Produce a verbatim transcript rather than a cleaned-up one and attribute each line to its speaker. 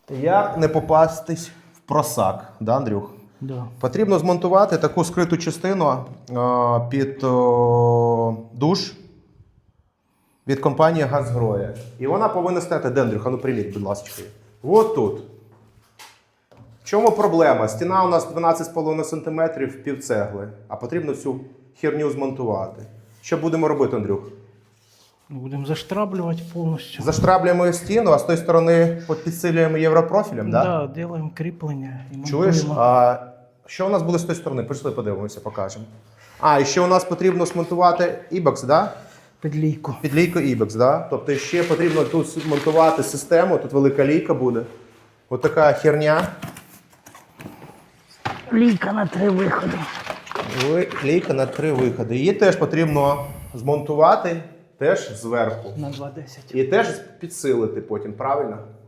Speaker 1: Як не попастись в просак, да, Андрюх?
Speaker 2: Да.
Speaker 1: Потрібно змонтувати таку скриту частину а, під о, душ від компанії Газгроя. І вона повинна стояти, де, Андрюха, ну приміть, будь ласка. От тут. В чому проблема? Стіна у нас дванадцять з половиною сантиметрів, пів цегли, а потрібно цю херню змонтувати. Що будемо робити, Андрюх?
Speaker 2: Будемо заштраблювати повністю.
Speaker 1: Заштраблюємо стіну, а з тої сторони підсилюємо європрофілем, так?
Speaker 2: Да, да, робимо кріплення і
Speaker 1: Чуєш?
Speaker 2: монтуємо.
Speaker 1: А що у нас буде з тої сторони? Пішли подивимося, покажемо. А, і ще у нас потрібно смонтувати ібекс, да?
Speaker 2: Підлійку.
Speaker 1: Підлійку ібекс, да? Тобто ще потрібно тут змонтувати систему, тут велика лійка буде. Ось така херня.
Speaker 2: Лійка на три виходи.
Speaker 1: Лійка на три виходи. Її теж потрібно змонтувати теж зверху.
Speaker 2: На два десять.
Speaker 1: І теж підсилити потім, правильно?